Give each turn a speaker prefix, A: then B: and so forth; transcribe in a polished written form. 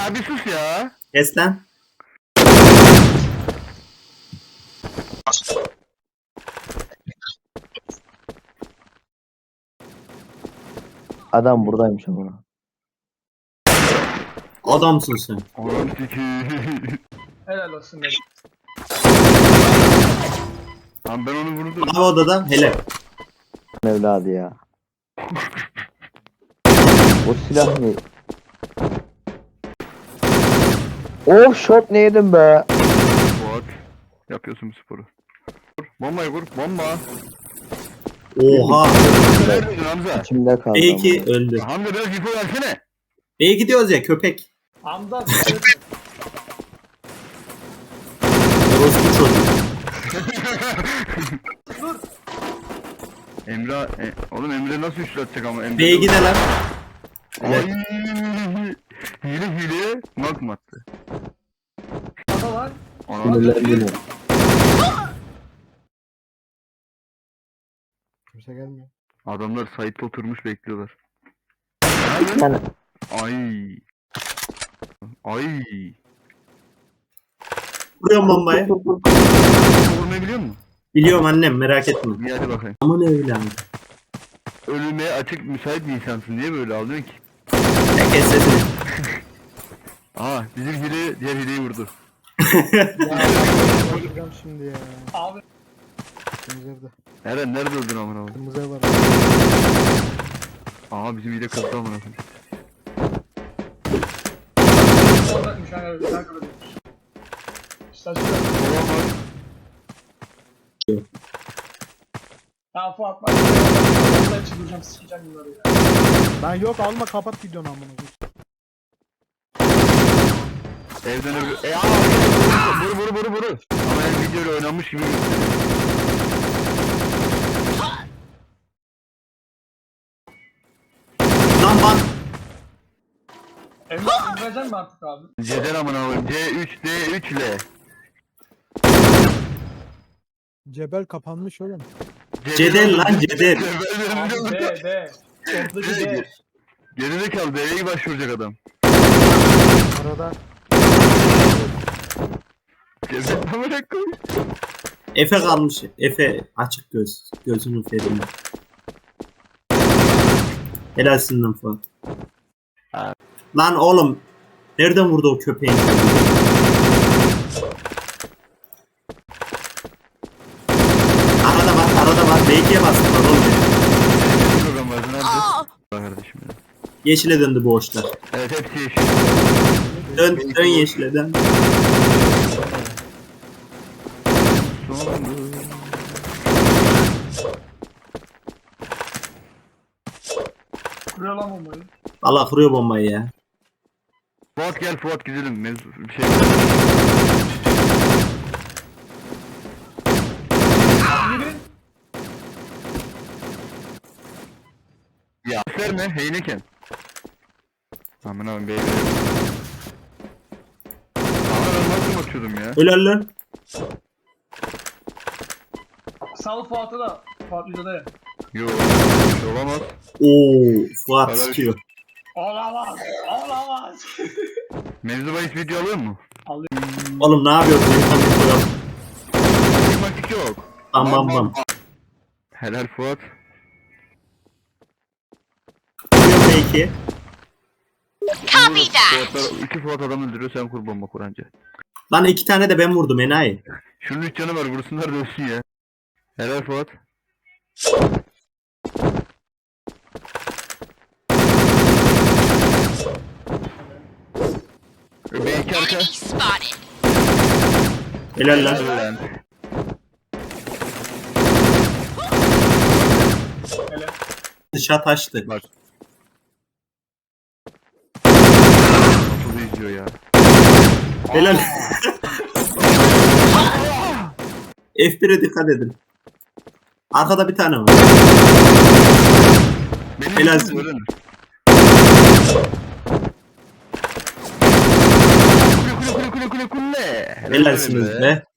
A: Ya bir sus ya.
B: Kes lan.
C: Adam buradaymış ama.
B: Adamsın sen.
A: Oğlum sikiyim.
D: Helal olsun dedim.
A: Lan ben onu vurdum.
B: Abi odada helal.
C: Evladı ya. O silah ne? Of shot ne yedim be?
A: Fuat. Yapıyorsun bu sporu. Vur, bombayı vur. Bomba.
B: Oha.
A: Neredeydin Hamza?
C: İçimde kaldı.
B: B2 öldü.
A: Hamza biraz info versene.
B: B'ye gidiyoruz ya köpek.
D: Hamza
B: Orospu çocuk.
A: Emre, oğlum Emre nasıl üçlatacak ama Emre.
B: B'ye gidelim.
A: Ay, hile knock mu attı?
D: Baba var.
A: Ona
C: Sinirlendim.
E: Kimse gelmiyor.
A: adamlar site'de oturmuş bekliyorlar.
C: Yani
A: Ay. Ay.
B: Vuruyorum bombayı.
A: Vurmayı biliyor musun?
B: Biliyorum annem merak etme.
A: İyi hadi bakayım.
B: Aman evladım.
A: Ölüme açık müsait bir insansın. Niye böyle alıyorsun ki?
B: Ya kes sesini.
A: Aa bizim hile diğer hileyi vurdu.
E: Öldüreceğim şimdi ya.
D: Abi
E: Kırmızı evde.
A: Eren nerede öldün amına koyayım?
E: Kırmızı ev var.
A: Aa bizim hile kızdı amına koyayım.
D: oradaymış hani güzel kırılmış. Saçma.
A: Olamaz.
D: Ya Fuat bak. Vallahi çıldıracağım sikeceğim bunları ya.
E: Ben yok alma kapat videonu amına koyayım.
A: Evden öbür... Vur. Ama el videoyla oynanmış gibi gösteriyor.
B: Lan bak.
D: Emre indireceksin mi artık abi?
A: Cedel amına koyayım. C3, D3 L.
E: Cebel kapanmış oğlum.
B: Cedel lan cedel.
D: Abi D D. Ortadaki D.
A: Gerizekalı D'ye başvuracak adam.
E: Arada
A: Cedel amına koyayım.
B: Efe kalmış. Efe açık göz. Gözünün ferinde. Helalsin lan Fuat. Lan oğlum. Nereden vurdu o köpeğin? Arada var. B2'ye bastılar oğlum.
A: Program var. Nerede? Bak kardeşim ya.
B: Yeşile döndü bu hoşlar.
A: Evet hepsi yeşil.
B: Dön yeşile dön.
D: Kuruyor lan bombayı.
B: Allah kuruyor bombayı ya.
A: Fuat gel Fuat gidelim. Mevzu bir şey.
D: Biri.
A: Ya gösterme Heyneken. Aman abi beyler. Ama ben nasıl bakıyordum ya?
B: Helal lan.
D: Sal Fuat'ı da. Fuat videoda ya.
A: Yo şey olamaz.
B: Oo, Fuat
A: Helal.
B: sıkıyor.
D: Olamaz. Olamaz.
A: Mevzu bahis video alıyor mu?
B: Oğlum ne yapıyorsun? Yukarı koyalım.
A: Matik yok.
B: Bam bam bam.
A: Helal Fuat.
B: B2.
A: Copy that. İki Fuat adam öldürüyor sen kur bomba kuranca.
B: Lan 2 tane de ben vurdum enayi.
A: Şunun 3 canı var vursunlar da ölsün ya. Helal Fuat. Belki arka.
B: Helal lan.
A: Helal.
D: Hele.
B: Dışa taştı.
A: Bak. Nasıl izliyor ya?
B: Helal. F1'e dikkat edin. Arkada bir tane var.
A: Benim
B: Helalsin.
A: yüzüm öğrenir. Kule.
B: Helalsiniz be.